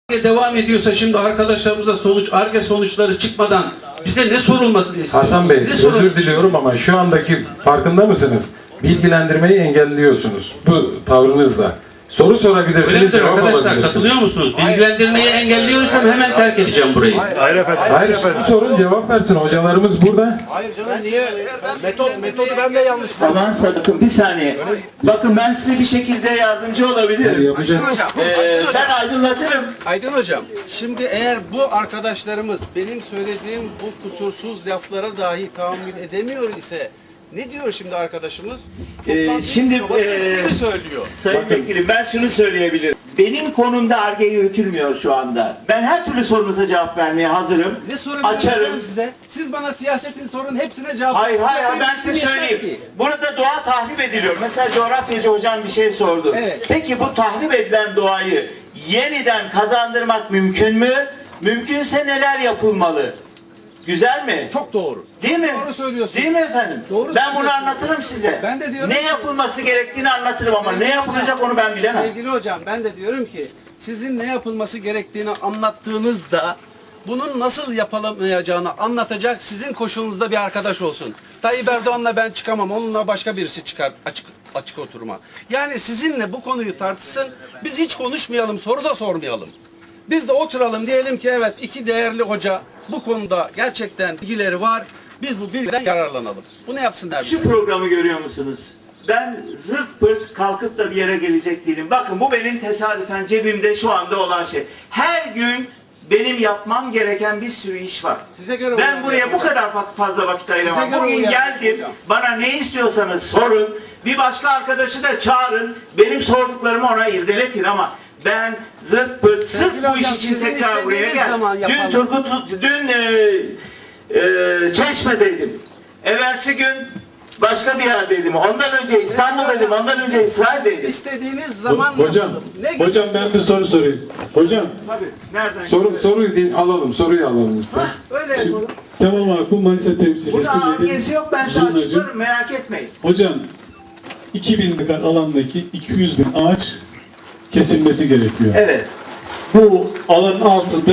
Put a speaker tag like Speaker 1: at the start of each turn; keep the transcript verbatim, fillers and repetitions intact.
Speaker 1: devam ediyorsa şimdi arkadaşlarımıza sonuç, Ar-Ge sonuçları çıkmadan bize ne sorulmasını istiyorsunuz?
Speaker 2: Hasan Bey,
Speaker 1: Ne
Speaker 2: özür
Speaker 1: sorul-
Speaker 2: diliyorum ama şu andaki farkında mısınız? Bilgilendirmeyi engelliyorsunuz bu tavrınızla. Soru
Speaker 1: Öyle
Speaker 2: sorabilirsiniz,
Speaker 1: midir
Speaker 2: cevap
Speaker 1: arkadaşlar?
Speaker 2: alabilirsiniz.
Speaker 1: Katılıyor musunuz? Bilgilendirmeyi engelliyorsam hemen terk edeceğim burayı.
Speaker 3: Hayır efendim.
Speaker 2: Hayır, soru sorun, cevap versin. Hocalarımız burada.
Speaker 3: Hayır canım niye? Metot, metodu ben de yanlış
Speaker 4: Aman sakın bir saniye. Bakın ben size bir şekilde yardımcı olabilirim.
Speaker 2: Yapacak.
Speaker 4: Ee, ben aydınlatırım.
Speaker 5: Aydın Hocam, şimdi eğer bu arkadaşlarımız benim söylediğim bu kusursuz laflara dahi tahammül edemiyor ise ne diyor şimdi arkadaşımız?
Speaker 4: Ee,
Speaker 5: Toplantıyı
Speaker 4: şimdi,
Speaker 5: sabah
Speaker 4: ee,
Speaker 5: ettiklerini söylüyor.
Speaker 4: Sayın Vekilim ben şunu söyleyebilirim. Benim konumda Ar-Ge yürütülmüyor şu anda. Ben her türlü sorunuza cevap vermeye hazırım.
Speaker 5: Ne sorun
Speaker 4: Açarım.
Speaker 5: veriyorum size? Siz bana siyasetin sorun hepsine cevap
Speaker 4: Hayır hayır hayır, ben
Speaker 5: Hepsini
Speaker 4: size
Speaker 5: yetmez
Speaker 4: söyleyeyim.
Speaker 5: ki.
Speaker 4: Burada doğa tahrip ediliyor. Mesela coğrafyacı hocam bir şey sordu.
Speaker 5: Evet.
Speaker 4: Peki bu tahrip edilen doğayı yeniden kazandırmak mümkün mü? Mümkünse neler yapılmalı? Güzel mi?
Speaker 5: Çok doğru.
Speaker 4: Değil mi?
Speaker 5: Doğru söylüyorsun.
Speaker 4: Değil mi efendim?
Speaker 5: Doğru
Speaker 4: ben bunu
Speaker 5: söylüyorsun.
Speaker 4: anlatırım size.
Speaker 5: Ben de diyorum
Speaker 4: ne
Speaker 5: ki-
Speaker 4: yapılması gerektiğini anlatırım ama
Speaker 5: Sevgili
Speaker 4: ne yapılacak
Speaker 5: hocam,
Speaker 4: onu ben bilemem.
Speaker 5: Sevgili hocam ben de diyorum ki sizin ne yapılması gerektiğini anlattığınızda bunun nasıl yapılamayacağını anlatacak sizin koşulunuzda bir arkadaş olsun. Tayyip Erdoğan'la ben çıkamam, onunla başka birisi çıkar açık açık oturuma. Yani sizinle bu konuyu tartışsın, biz hiç konuşmayalım, soru da sormayalım. Biz de oturalım diyelim ki evet iki değerli hoca bu konuda gerçekten bilgileri var. Biz bu bilgiden yararlanalım. Bunu yapsınlar.
Speaker 4: Şu programı görüyor musunuz? Ben zırt pırt kalkıp da bir yere gelecek değilim. Bakın bu benim tesadüfen cebimde şu anda olan şey. Her gün benim yapmam gereken bir sürü iş var.
Speaker 5: Size göre
Speaker 4: ben
Speaker 5: uyar
Speaker 4: buraya bu
Speaker 5: hocam.
Speaker 4: kadar fa- fazla vakit ayıramam.
Speaker 5: göre
Speaker 4: Bugün
Speaker 5: uyar
Speaker 4: geldim,
Speaker 5: hocam.
Speaker 4: bana ne istiyorsanız sorun. Bir başka arkadaşı da çağırın. Benim sorduklarımı ona irdeletin ama ben zırt pırt sırf
Speaker 5: Sevgili
Speaker 4: bu iş
Speaker 5: hocam,
Speaker 4: için
Speaker 5: sizin
Speaker 4: tekrar buraya
Speaker 5: istediğiniz
Speaker 4: gel.
Speaker 5: zaman
Speaker 4: Dün
Speaker 5: yapalım.
Speaker 4: Turgut, dün e, e, Çeşme'deydim. Evvelsi gün başka bir yerdeydim. Ondan önce İstanbul'daydım. Ondan önce İsrail'deydim.
Speaker 5: İstediğiniz zaman
Speaker 2: Hocam,
Speaker 5: yapalım. Ne
Speaker 2: hocam ben bir soru sorayım. Hocam,
Speaker 4: Tabii. Nereden?
Speaker 2: soru, soruyu din, alalım, soruyu alalım lütfen.
Speaker 4: Hah, öyle yapalım.
Speaker 6: Tamam abi, bu Manisa temsilcisi.
Speaker 4: Burada
Speaker 6: Yedim.
Speaker 4: argesi yok. Ben size
Speaker 6: Zurnacı.
Speaker 4: açıklarım. Merak etmeyin.
Speaker 6: Hocam, iki bin dekar alandaki iki yüz bin ağaç kesilmesi gerekiyor.
Speaker 4: Evet.
Speaker 6: Bu alanın altında